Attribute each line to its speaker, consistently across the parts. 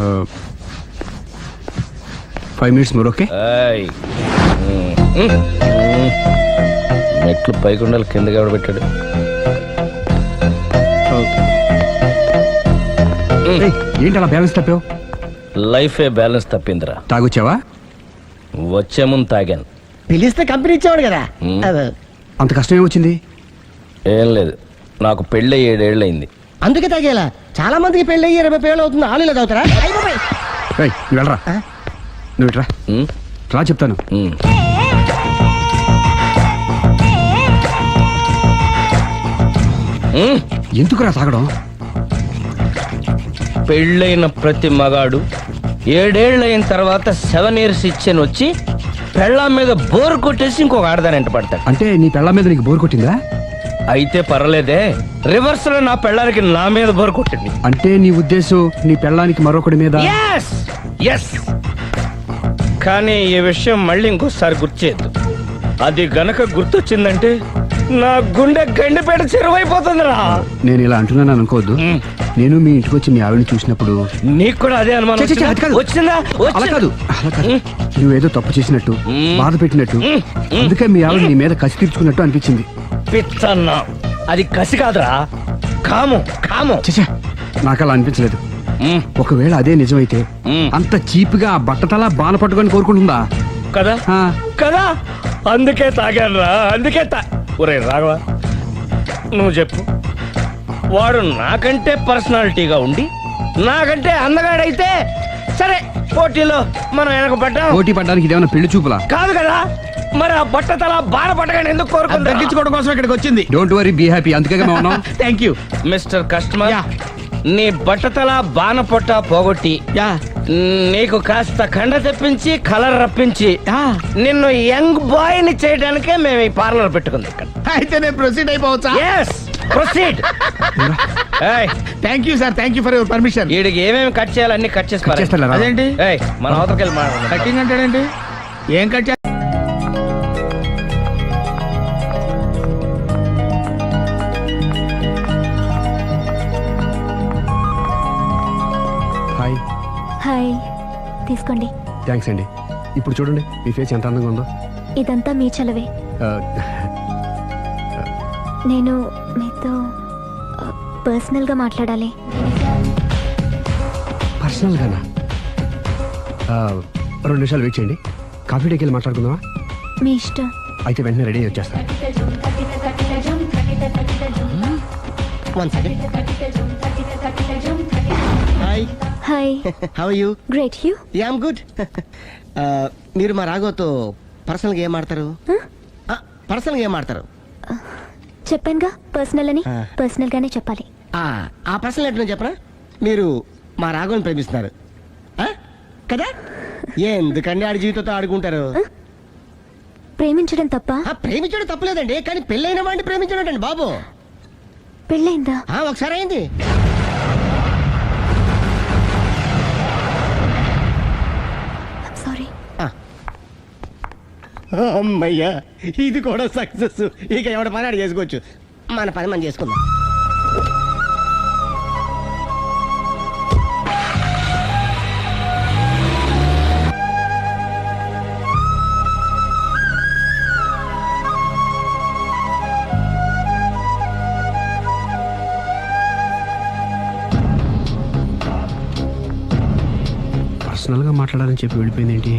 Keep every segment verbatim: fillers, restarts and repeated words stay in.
Speaker 1: Five minutes more okay.
Speaker 2: మెట్లు పైకి ఉండాలి, కిందకి ఎవడ పెట్టాడు.
Speaker 1: ఏంటి అలా బ్యాలెన్స్ తప్పావు?
Speaker 2: లైఫే బ్యాలెన్స్ తప్పిందిరా.
Speaker 1: తాగొచ్చావా?
Speaker 2: వచ్చే ముందు తాగాను.
Speaker 3: పిలిస్తే కంపెనీ ఇచ్చేవాడు కదా.
Speaker 1: అంత కష్టం ఏమొచ్చింది?
Speaker 2: ఏం లేదు, నాకు పెళ్ళి ఏడేళ్ళు అయింది.
Speaker 3: అందుకే తాగేలా. చాలా మందికి పెళ్ళి అయ్యి ఇరవై పేళ్ళు అవుతుంది, ఆలు ఇలా తాగుతారా?
Speaker 1: నువ్వు వెళ్ళరా, నువ్వు ఇట్రా రా చెప్తాను. ఎందుకురా తాగడం?
Speaker 2: పెళ్ళైన ప్రతి మగాడు ఏడేళ్ళు అయిన తర్వాత సెవెన్ ఇయర్స్ ఇచ్చాను వచ్చి పెళ్ళాం మీద బోర్ కొట్టేసి ఇంకొక ఆడదాని ఎంట పడతాడు.
Speaker 1: అంటే నీ పెళ్ళాం మీద నీకు బోర్ కొట్టిందా?
Speaker 2: అయితే పర్లేదే, రివర్స్ లో నా పెళ్ళానికి నా మీద బోర్ కొట్టింది.
Speaker 1: అంటే నీ ఉద్దేశం నీ పెళ్ళానికి మరొకటి మీద?
Speaker 2: yes yes కానీ ఈ విషయం మళ్ళీ ఇంకోసారి గుర్చేయద్దు. అది గనక గుర్తొచ్చిందంటే నా గుండె గండిపేట చెరువైపోతుందిరా.
Speaker 1: నేను ఇలా అంటున్నాను అనుకోవద్దు. నేను మీ ఇంటికి వచ్చి మీ ఆవిడని చూసినప్పుడు
Speaker 2: నీకు కూడా అదే అనుమానం వచ్చిందా?
Speaker 1: అలా కాదు, అలా కాదు. నువ్వేదో తప్పు చేసినట్టు, బాధ పెట్టినట్టు, అందుకే మీ ఆవిడ నీ మీద కసి తీర్చుకున్నట్టు అనిపించింది.
Speaker 2: పిచ్చన్నా, అది కసి కాదురా, కాము కాము.
Speaker 1: చచ్చా, నాకు అలా అనిపించలేదు. ఒకవేళ అదే నిజమైతే అంత చీప్ గా బట్టతలా బాన పట్టుకొని కోరుకుంటుందా
Speaker 2: కదా? కదా, అందుకే తాగాను రా, అందుకే తా. ఒరే రాఘవ, నువ్వు చెప్పు, వాడు నాకంటే పర్సనాలిటీగా ఉండి నాకంటే అందగాడైతే సరే, పోటీలో మనం వెనక పడ్డాం.
Speaker 1: పోటీ పడ్డానికి ఇదేమన్నా పెళ్లి చూపులా?
Speaker 2: కాదు కదా, మరి ఆ బట్ట తల బాన పట్టగానే ఎందుకు కోరుకుంది?
Speaker 1: తగ్గించుకోవడం కోసం ఇక్కడికి వచ్చింది. Don't worry, be happy. అందుకే మేము ఉన్నాం.
Speaker 3: Thank you
Speaker 2: Mr customer. నీ బట్టతల బాన పొట్ట పోగొట్టి నీకు కాస్త కండ తెప్పించి కలర్ రప్పించి నిన్ను యంగ్ బాయ్ ని చేయడానికే మేము ఈ పార్లర్ పెట్టుకుంది ఇక్కడ.
Speaker 3: అయితే నేను ప్రొసీడ్ అయిపోవచ్చా?
Speaker 2: yes proceed.
Speaker 3: Thank you sir, thank you for your permission.
Speaker 2: వీడికి ఏమేమి కట్ చేయాలి అన్ని కట్ చేసి
Speaker 1: చేస్తారా?
Speaker 3: అదేంటి
Speaker 2: మన అవతలకి వెళ్ళి మాట్లాడు.
Speaker 3: కటింగ్ అంటాడేంటి? ఏం కట్ చేస్తా?
Speaker 1: హాయ్.
Speaker 4: హాయ్, తీసుకోండి.
Speaker 1: థ్యాంక్స్ అండి. ఇప్పుడు చూడండి మీ ఫేస్ ఎంత అందంగా ఉందో.
Speaker 4: ఇదంతా మీ చలవే. నేను మీతో పర్సనల్ గా మాట్లాడాలి.
Speaker 1: పర్సనల్ గానా? రెండు నిమిషాలు వెయిట్ చేయండి, కాఫీ డేకి వెళ్ళి మాట్లాడుకుందామా?
Speaker 4: మీ ఇష్టం.
Speaker 1: అయితే వెంటనే రెడీ వచ్చేస్తాను.
Speaker 3: Hi.
Speaker 4: Hi.
Speaker 3: How are you?
Speaker 4: Great. You?
Speaker 3: Yeah, I am good. మీరు మా రాఘవతో పర్సనల్ గా ఏం ఆడతారు? పర్సనల్ గా ఏం ఆడతారు?
Speaker 4: చెప్పానుగా పర్సనల్ అని. పర్సనల్ గానే చెప్పాలి.
Speaker 3: ఆ పర్సనల్ ఏంటో చెప్పరా? మీరు మా రాఘవని ప్రేమిస్తున్నారు కదా? ఎందుకండి ఆడి జీవితంతో ఆడుకుంటారు?
Speaker 4: ప్రేమించడం తప్ప?
Speaker 3: ప్రేమించడం తప్పలేదండి, కానీ పెళ్ళైన వాడిని ప్రేమించడం అండి బాబు.
Speaker 4: పెళ్ళైందా?
Speaker 3: ఒకసారి అయింది.
Speaker 4: సారీ.
Speaker 3: అమ్మయ్యా, ఇది కూడా సక్సెస్. ఇక ఎవడ పని ఆడు చేసుకోవచ్చు, మన పని మనం చేసుకుందాం.
Speaker 1: పర్సనల్గా మాట్లాడాలని చెప్పి వెళ్ళిపోయింది ఏంటి?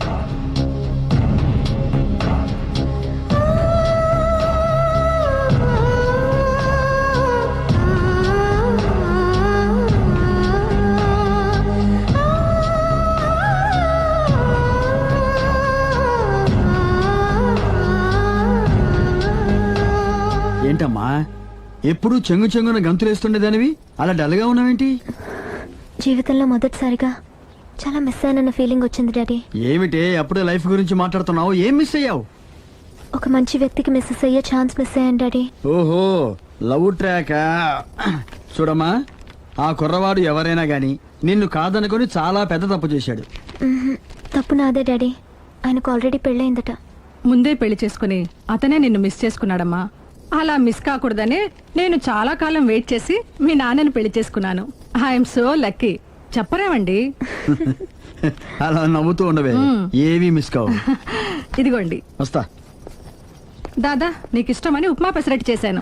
Speaker 5: ఏంటమ్మా ఎప్పుడు చెంగు చెంగున గంతులేస్తుండేదానివి అలా డల్గా ఉన్నావేంటి?
Speaker 4: జీవితంలో మొదటిసారిగా చాలా మిస్ అయ్యానన్న ఫీలింగ్ వచ్చింది డాడీ.
Speaker 5: ఏమిటే అప్పుడే లైఫ్ గురించి మాట్లాడుతున్నావు? ఏం మిస్ అయ్యావు?
Speaker 4: ఒక మంచి వ్యక్తికి మిస్ అయ్యే ఛాన్స్ మిస్ అయ్యాను డాడీ.
Speaker 5: ఓహో, లవ్ ట్రాక్. చూడమ్మా, ఆ కుర్రవాడు ఎవరైనా గాని నిన్ను కాదనుకొని చాలా పెద్ద తప్పు చేశాడు.
Speaker 4: తప్పు నాదే డాడీ. ఆయనకు ఆల్రెడీ పెళ్ళయిందట.
Speaker 6: ముందే పెళ్లి చేసుకుని అతనే నిన్ను మిస్ చేసుకున్నాడమ్మా. అలా మిస్ కాకూడదనే నేను చాలా కాలం వెయిట్ చేసి మీ నాన్నని పెళ్లి చేసుకున్నాను. I'm so lucky. చెప్పరేమండి.
Speaker 5: అలా నవ్వుతూ ఉండవే, ఏవి మిస్ కావు.
Speaker 6: ఇదిగోండి.
Speaker 5: వస్తా.
Speaker 6: దాదా నీకు ఇష్టమని ఉప్మా పెసరట్టు చేశాను.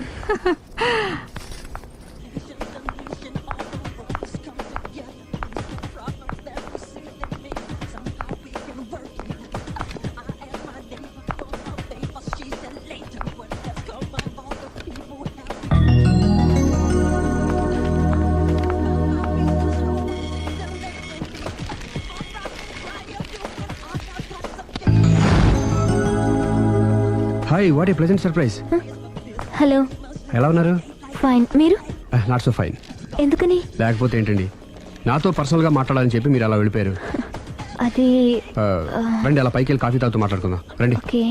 Speaker 1: Hi, what a pleasant surprise.
Speaker 4: Hello.
Speaker 1: ఎలా ఉన్నారు?
Speaker 4: ఫైన్. మీరు?
Speaker 1: Not so fine.
Speaker 4: ఎందుకని?
Speaker 1: లేకపోతే ఏంటండి, నాతో పర్సనల్గా మాట్లాడాలని చెప్పి మీరు అలా వెళ్ళిపోయారు.
Speaker 4: అది
Speaker 1: ఆ, రండి, అలా పైకి వెళ్ళి కాఫీ తాగుతూ మాట్లాడుకుందాం రండి.
Speaker 4: ఓకే.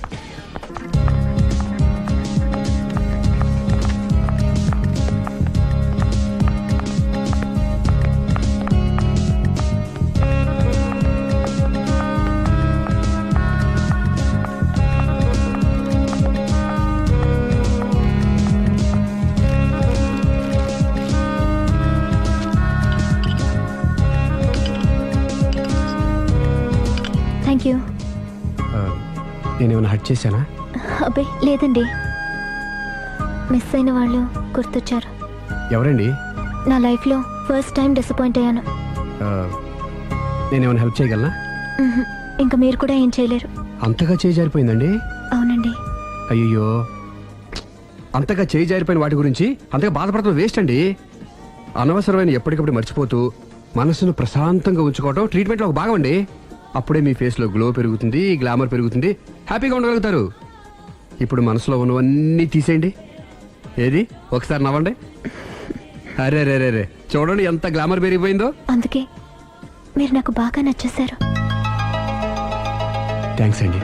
Speaker 4: Thank you.
Speaker 1: ఆ, నేనేమైనా హట్ చేశానా?
Speaker 4: అబ్బే లేదండి, మిస్ అయిన వాళ్ళు గుర్తొచ్చారు.
Speaker 1: ఎవరండి?
Speaker 4: నా లైఫ్లో ఫస్ట్ టైం డిసప్పాయింట్ అయ్యాను.
Speaker 1: ఆ, నేనేమైనా హెల్ప్ చేయగలనా?
Speaker 4: మ్హూ. ఇంకా మీరు కూడా ఏం చేయలేరు.
Speaker 1: అంతగా చేయి జారిపోయిందండి?
Speaker 4: అవునండి.
Speaker 1: అయ్యో, అంతగా చేయి జారిపోయిన వాటి గురించి అంతగా బాధపడటం వేస్ట్ అండి. అనవసరమైన ఎప్పటికప్పుడు మర్చిపోతూ మనసును ప్రశాంతంగా ఉంచుకోవడం ట్రీట్మెంట్లో ఒక భాగం అండి. అప్పుడే మీ ఫేస్లో గ్లో పెరుగుతుంది, గ్లామర్ పెరుగుతుంది, హ్యాపీగా ఉండగలుగుతారు. ఇప్పుడు మనసులో ఉన్నవన్నీ తీసేయండి. ఏది ఒకసారి నవ్వండి. అరే రే రే రే చూడండి ఎంత గ్లామర్ పెరిగిపోయిందో.
Speaker 4: అందుకే మీరు నాకు బాగా నచ్చేశారు.
Speaker 1: థ్యాంక్స్ అండి.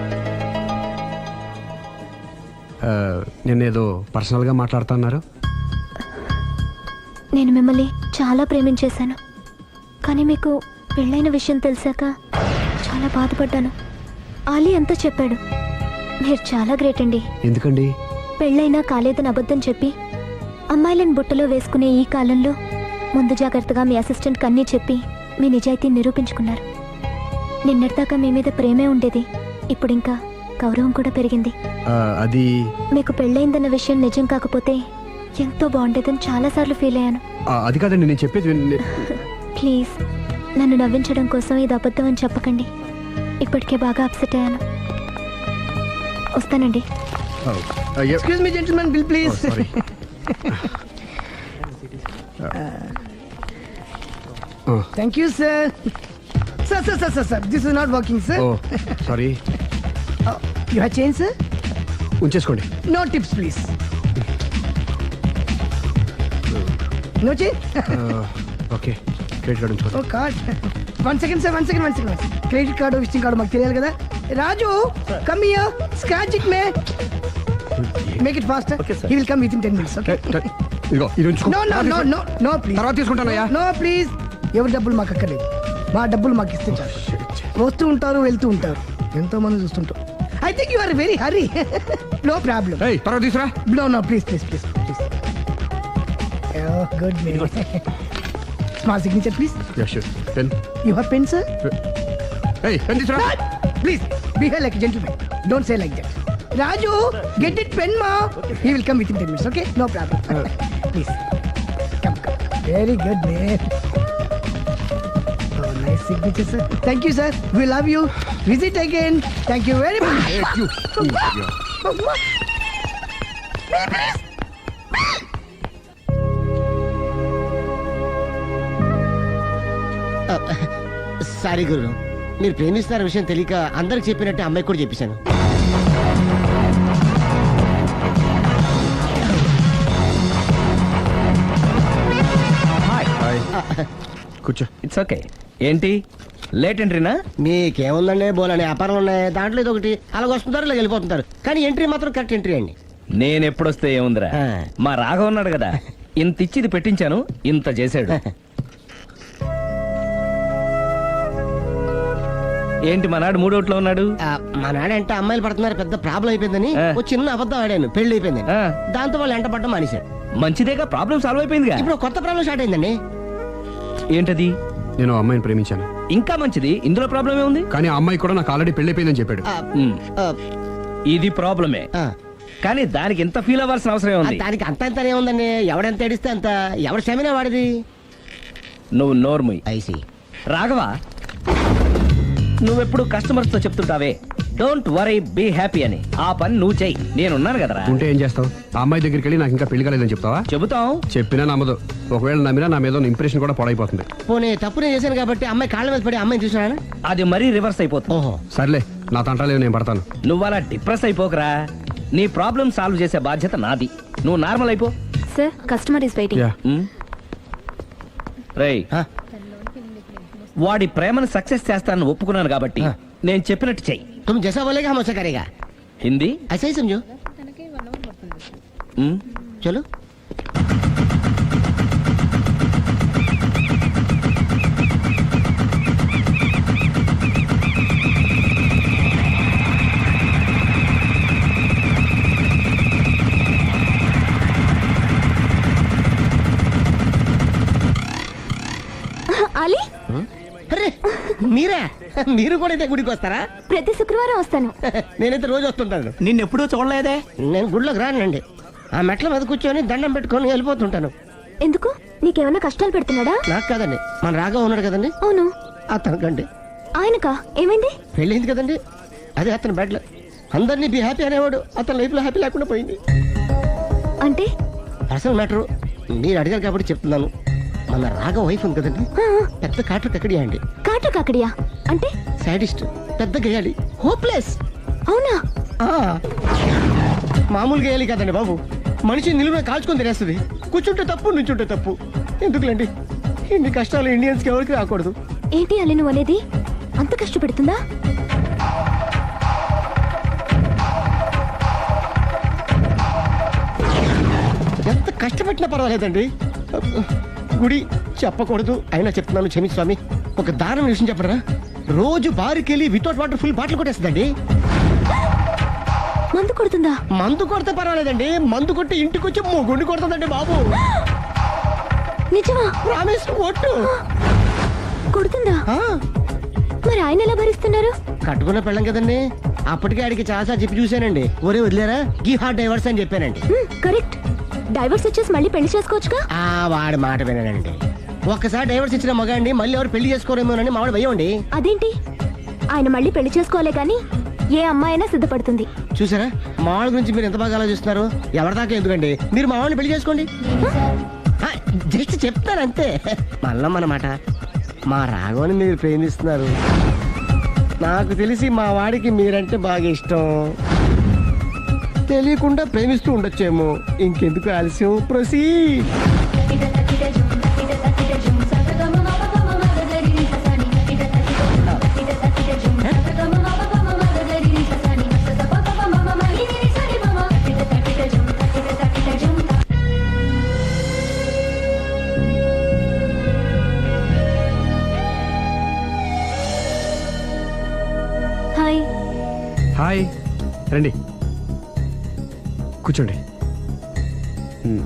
Speaker 1: ఆ, నేనేదో పర్సనల్గా మాట్లాడుతున్నారు.
Speaker 4: నేను మిమ్మల్ని చాలా ప్రేమించేశాను, కానీ మీకు పెళ్ళైన విషయం తెలిసాక చాలా బాధపడ్డాను. ఆలీ అంతా చెప్పాడు. మీరు చాలా గ్రేట్ అండి.
Speaker 1: ఎందుకండి?
Speaker 4: పెళ్ళైనా కాలేదని అబద్ధం చెప్పి అమ్మాయిలను బుట్టలో వేసుకునే ఈ కాలంలో ముందు జాగ్రత్తగా మీ అసిస్టెంట్కి అన్నీ చెప్పి మీ నిజాయితీని నిరూపించుకున్నారు. నిన్నటిదాకా మీ మీద ప్రేమే ఉండేది, ఇప్పుడు ఇంకా గౌరవం కూడా పెరిగింది.
Speaker 1: ఆ, అది
Speaker 4: మీకు పెళ్ళైందన్న విషయం నిజం కాకపోతే ఎంతో బాగుండేదని చాలాసార్లు ఫీల్ అయ్యాను.
Speaker 1: ఆ, అది కాదండి నేను చెప్పేది విన్-
Speaker 4: ప్లీజ్ నన్ను నవ్వించడం కోసం ఇది అబద్ధం అని చెప్పకండి. ఇప్పటికే బాగా అప్సెట్ అయ్యాను. వస్తానండి.
Speaker 1: ఆ, ఆ, ఎ-
Speaker 3: excuse me gentleman, bill
Speaker 1: oh,
Speaker 3: please.
Speaker 1: Sorry. ఆ,
Speaker 3: thank you sir. Sir sir sir sir sir this is not working sir.
Speaker 1: Oh sorry.
Speaker 3: You have change sir?
Speaker 1: ఉంచేసుకోండి.
Speaker 3: No tips please. No change?
Speaker 1: ఆ, okay, credit card ఉంచుకోండి.
Speaker 3: Oh card. One second sir, one second one second credit card visiting card మాకు తెలియాలి కదా. Raju come here, scratch it మే, make it fast. He will come with in ten minutes. Okay.
Speaker 1: ట- ట- ఇదిగో ఇది ఉంచుకో.
Speaker 3: No no no no no please.
Speaker 1: తర్వాత తీసుకుంటానయ్యా.
Speaker 3: No please. ఎవరి డబ్బులు మాకు అక్కర్లేదు, మా డబ్బులు మాకు ఇస్తే చాలు. వస్తూ ఉంటారు, వెళ్తూ ఉంటారు, ఎంతో మంది చూస్తుంటారు. I think you are very hurry. No problem.
Speaker 1: ఏయ్, తర్వాత తీసురా.
Speaker 3: No no please please please please. Good మే. Small signature please.
Speaker 1: Yeah sure. Pen.
Speaker 3: You have pen sir?
Speaker 1: ఏయ్, పెన్ తీసురా.
Speaker 3: Please, behave like a gentleman. Don't say like that. Raju, get it pen, ma. He will come within ten minutes, okay? No problem. Please. Come, come. Very good, man. Oh, nice signature, sir. Thank you, sir. We love you. Visit again. Thank you very much.
Speaker 1: Hey, you. Yeah.
Speaker 3: Sorry గురు, మీరు ప్రేమిస్తున్న విషయం తెలియక అందరికి చెప్పినట్టు అమ్మాయి కూడా చెప్పేశాను.
Speaker 1: కూర్చో.
Speaker 2: It's okay. ఏంటి లేట్ ఎంట్రీనా?
Speaker 3: మీకేముందండి, బోలని వ్యాపారం ఉన్నాయి, దాంట్లో ఇది ఒకటి అలాగ వస్తుంటారు ఇలా వెళ్ళిపోతుంటారు, కానీ ఎంట్రీ మాత్రం కరెక్ట్ ఎంట్రీ అండి.
Speaker 2: నేను ఎప్పుడొస్తే ఏముందిరా,
Speaker 3: ఆ.
Speaker 2: మా రాఘవ ఉన్నాడు కదా, ఇంత ఇచ్చిది పెట్టించాను, ఇంత చేశాడు. ఏంటి మా నాడు మూడోట్లో ఉన్నాడు?
Speaker 3: ఆ, మా నాడంటే అమ్మాయిలు పడుతున్నారు, పెద్ద ప్రాబ్లం అయిపోయిందని
Speaker 2: ఆ.
Speaker 3: ఒక చిన్న అబద్ధం ఆడాను, పెళ్లి అయిపోయింది.
Speaker 2: ఆ.
Speaker 3: దాంతో వాళ్ళు ఎంట పడ్డం మానేశారు.
Speaker 2: మంచిదేగా, ప్రాబ్లం సాల్వ్ అయిపోయిందిగా.
Speaker 3: ఇప్పుడు కొత్త ప్రాబ్లం స్టార్ట్ అయిందండి.
Speaker 2: ఏంటది?
Speaker 1: నేను ఆ అమ్మాయిని ప్రేమించాను.
Speaker 2: ఇంకా మంచిది, ఇందులో ప్రాబ్లం ఏముంది?
Speaker 1: కానీ ఆ అమ్మాయి కూడా నాకు ఆల్రెడీ పెళ్ళైపోయిందని చెప్పాడు.
Speaker 2: ఉమ్, ఇది ప్రాబ్లమే, కానీ దానికి ఇంత ఫీల్ అవ్వాల్సిన అవసరం ఉంది?
Speaker 7: దానికి అంత అంత ఏముందండి, ఎవడెంత ఏడిస్తే అంత, ఎవరి క్షమేనా వాడిది.
Speaker 2: నువ్వు నోర్ముయ్.
Speaker 7: ఐసి
Speaker 2: రాఘవా, నువ్వెప్పుడు కస్టమర్స్ తో చెప్తుంటావే డోంట్ వరీ బీ హ్యాపీ అని, ఆ పని నువ్వు చెయ్యి, నేనున్నాను కదరా.
Speaker 1: ఉంటే ఏం చేస్తావు? ఆ అమ్మాయి దగ్గరికి వెళ్ళి నాకు ఇంకా పెళ్లి కాలేదని చెప్తావా?
Speaker 2: చెబుతాం.
Speaker 1: చెప్పినా నమ్మదు. ఒకవేళ నమ్మినా నా మీద ఇంప్రెషన్ కూడా పాడైపోతుంది.
Speaker 7: పోనీ తప్పు నేను చేశాను కాబట్టి అమ్మాయి కాళ్ళ మీద పడి అమ్మాయిని చూసినా.
Speaker 2: అది మరీ రివర్స్ అయిపోతుంది.
Speaker 7: ఓహో,
Speaker 1: సర్లే, నా తంటాలేవు, నేను పడతాను.
Speaker 2: నువ్వు అలా డిప్రెస్ అయిపోకరా, నీ ప్రాబ్లం సాల్వ్ చేసే బాధ్యత నాది. నువ్వు నార్మల్ అయిపో.
Speaker 4: Sir customer is waiting.
Speaker 1: Yeah.
Speaker 2: రేయ్, వాడి ప్రేమను సక్సెస్ చేస్తానని ఒప్పుకున్నాను కాబట్టి నేను చెప్పినట్టు చెయ్యి.
Speaker 7: तुम जैसा बोलेगा हम वैसा करेगा.
Speaker 2: హిందీ
Speaker 7: ऐसा ही समझो.
Speaker 2: ఉమ్,
Speaker 7: चलो.
Speaker 4: అలీ,
Speaker 7: అరే మీరా, మీరు కూడా అయితే గుడికి వస్తారా?
Speaker 4: ప్రతి శుక్రవారం వస్తాను.
Speaker 7: నేనైతే రోజు వస్తుంటాను.
Speaker 5: నిన్నెప్పుడూ చూడలేదే.
Speaker 7: నేను గుడిలోకి రానండి, ఆ మెట్ల మీద కూర్చొని దండం పెట్టుకొని వెళ్ళిపోతుంటాను.
Speaker 4: ఎందుకు? నీకేమైనా కష్టాలు పెడుతున్నాడా?
Speaker 7: నాకు కాదండి, మన రాగా ఉన్నాడు కదండి,
Speaker 4: అవును.
Speaker 7: అతనికండి
Speaker 4: ఆయనకా? ఏమైంది?
Speaker 7: పెళ్ళైంది కదండి, అదే అతని బెడ్లో అందరినీ బి హ్యాపీ అనేవాడు, అతని లైఫ్ లో హ్యాపీ లేకుండా పోయింది.
Speaker 4: అంటే
Speaker 7: అసలు మ్యాటర్ మీరు అడిగారు కాబట్టి చెప్తున్నాను. మన రాగా వైఫ్ ఉంది కదండి,
Speaker 4: ఆ,
Speaker 7: పెద్ద కాటు కక్కడియా అండి,
Speaker 4: కాటు కాకడియా అంటే?
Speaker 7: సాడిస్ట్, పెద్ద గేయాలి, హోప్లెస్.
Speaker 4: అవునా?
Speaker 7: మామూలు గేయాలి కదండి బాబు, మనిషి నిలువున కాల్చుకొని తినేస్తుంది. కూర్చుంటే తప్పు, నుంచుంటే తప్పు. ఎందుకులేండి ఇన్ని కష్టాలు ఇండియన్స్ కి ఎవరికి రాకూడదు.
Speaker 4: ఏంటి అలీ నువ్వు అనేది? అంత కష్టపెడుతుందా?
Speaker 7: ఎంత కష్టపెట్టినా పర్వాలేదండి. గుడి చెప్పకూడదు అయినా చెప్తున్నాను, క్షమించు స్వామి. ఒక దారుణ విషయం చెప్పరా, రోజు బారుకెళ్ళి వితౌట్ వాటర్ ఫుల్ బాటిల్ కొట్టేస్తుందండి.
Speaker 4: మందు కొడుతుందా?
Speaker 7: మందు కొడితే పర్వాలేదండి, మందు కొట్టి ఇంటికి వచ్చి మొగుండి కొడుతుందండి బాబు.
Speaker 4: నిజమా?
Speaker 7: ప్రామిస్, ఒట్టు.
Speaker 4: కొడుతుందా?
Speaker 7: ఆ,
Speaker 4: మరి ఆయన ఎలా భరిస్తున్నారు?
Speaker 7: కట్టుకున్న పెళ్ళం కదండి, అప్పటికే ఆడికి చాలా చెప్పి చూశానండి. ఒరే వదిలేరా, గీ హార్ట్ డైవర్స్ అని చెప్పానండి.
Speaker 4: హ్మ్, కరెక్ట్. డైవర్స్ వచ్చేసి మళ్ళీ పెళ్లి చేసుకోవచ్చుగా.
Speaker 7: ఆ వాడి మాట వినండి, ఒక్కసారి డైవర్స్ ఇచ్చిన మగాండి మళ్ళీ ఎవరు పెళ్లి చేసుకోరేమోనని మావాడు భయం అండి.
Speaker 4: అదేంటి? ఆయన మళ్ళీ పెళ్లి చేసుకోలే గాని ఏ అమ్మాయి అయినా సిద్ధపడుతుంది.
Speaker 7: చూసారా మా వాళ్ళ గురించి మీరు ఎంత బాగా ఆలోచిస్తున్నారు. ఎవరిదాకా ఎందుకండి, మీరు మా వాళ్ళని పెళ్లి చేసుకోండి. జస్ట్ చెప్తారు అంతే. మళ్ళా మన మాట, మా రాఘవని మీరు ప్రేమిస్తున్నారు, నాకు తెలిసి మా వాడికి మీరంటే బాగా ఇష్టం. తెలియకుండా ప్రేమిస్తూ ఉండొచ్చేమో. ఇంకెందుకు ఆలస్యం, ప్రొసీడ్.
Speaker 4: హాయ్.
Speaker 1: హాయ్, రండి కూర్చోండి. మ్మ్.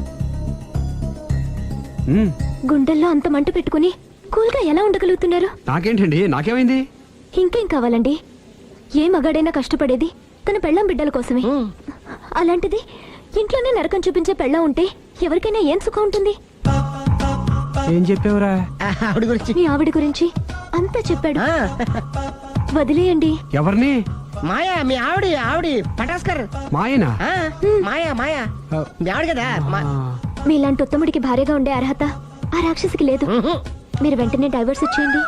Speaker 1: మ్మ్.
Speaker 4: గుండెల్లో అంత మంట పెట్టుకుని కూల్గా ఎలా ఉండగలుగుతున్నారు?
Speaker 1: నాకేంటండి, నాకేమైంది?
Speaker 4: ఇంకేం కావాలండి? ఏ మగాడైనా కష్టపడేది తన పెళ్ళాం బిడ్డల కోసమే. అలాంటిది ఇంట్లోనే నరకం చూపించే పెళ్ళాం ఉంటే ఎవరికైనా ఏం సుఖం ఉంటుంది?
Speaker 1: ఏం చెప్పావురా?
Speaker 7: ఆవిడ గురించి
Speaker 4: మీ ఆవిడ గురించి అంతా చెప్పాడు.
Speaker 7: ఆ,
Speaker 4: వదిలేయండి.
Speaker 1: ఎవరిని?
Speaker 7: మాయా, మీ ఆవిడ ఆవిడ పటాస్కర్.
Speaker 1: మాయనా?
Speaker 7: ఆ, మాయా మాయా మీ ఆవిడ కదా. మా-
Speaker 4: మీలాంటి ఉత్తముడికి భార్యగా ఉండే అర్హత ఆ రాక్షసికి లేదు.
Speaker 7: ఉహు.
Speaker 4: మీరు వెంటనే డైవర్స్ ఇచ్చేయండి.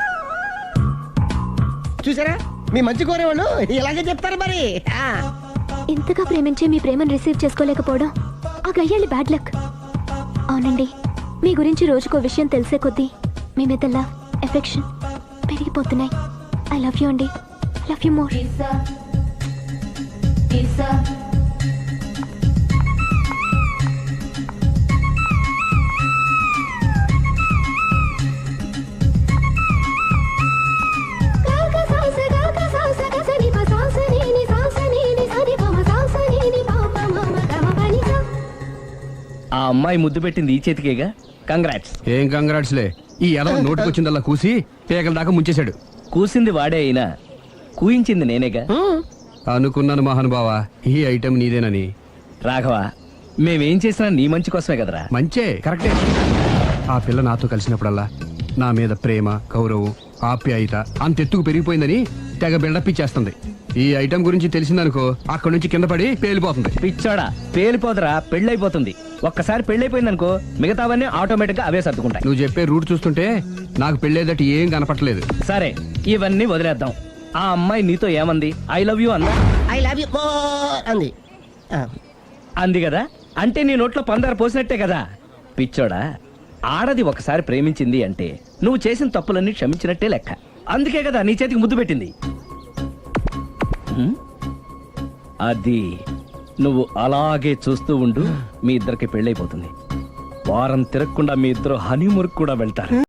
Speaker 7: చూసారా, మీ మంచి కోరేవాళ్ళు ఇలాగే చెప్తారు మరి. ఆ,
Speaker 4: ఇంతగా ప్రేమించి మీ ప్రేమను రిసీవ్ చేసుకోలేకపోవడం ఆ గయ్యాళి బ్యాడ్ లక్. అవునండి, మీ గురించి రోజుకో విషయం తెలిసే కొద్దీ మీ మీద లవ్, ఎఫెక్షన్ పెరిగిపోతున్నాయి. ఐ లవ్ యూ అండి. I love you more.
Speaker 2: ఆ అమ్మాయి ముద్దు పెట్టింది ఈ చేతికేగా. కంగ్రాట్స్.
Speaker 1: ఏం కంగ్రాట్స్లే, ఈ ఎదవ నోటికొచ్చిందల్లా కూసి పేకల దాకా ముంచేశాడు.
Speaker 2: కూసింది వాడే అయినా కూయించింది నేనేగా.
Speaker 1: అనుకున్నాను మహానుభావ, ఈ ఐటెం నీదేనని.
Speaker 2: రాఘవ, మేమేం చేసినా నీ మంచి కోసమే కదరా.
Speaker 1: మంచే, కరెక్టే. ఆ పిల్ల నాతో కలిసినప్పుడల్లా నా మీద ప్రేమ, గౌరవం, ఆప్యాయత అంతెత్తుకు పెరిగిపోయిందని తెగ బిల్డప్ ఇచ్చేస్తుంది. ఈ ఐటెం గురించి తెలిసిందనుకో అక్కడి నుంచి కింద పడి పేలిపోతుంది.
Speaker 2: పిచ్చోడా, పేలిపోదరా, పెళ్ళైపోతుంది. ఒక్కసారి పెళ్ళైపోయిందనుకో మిగతావన్నీ ఆటోమేటిక్ గా అవే సర్దుకుంటాయి.
Speaker 1: నువ్వు చెప్పే రూట్ చూస్తుంటే నాకు పెళ్ళేదట ఏం కనపట్లేదు.
Speaker 2: సరే, ఇవన్నీ వదిలేద్దాం. ఆ అమ్మాయి నీతో ఏమంది? ఐ లవ్ యూ అందా?
Speaker 7: ఐ లవ్ యూ అంది. ఆ,
Speaker 2: అంది కదా, అంటే నీ నోట్లో పందారు పోసినట్టే కదా. పిచ్చోడా, ఆడది ఒకసారి ప్రేమించింది అంటే నువ్వు చేసిన తప్పులన్నీ క్షమించినట్టే లెక్క. అందుకే కదా నీ చేతికి ముద్దు పెట్టింది. హ్మ్? అది నువ్వు అలాగే చూస్తూ ఉండు, మీ ఇద్దరికి పెళ్ళైపోతుంది. వారం తిరగకుండా మీ ఇద్దరు హనీమూర్ కూడా వెళ్తారు.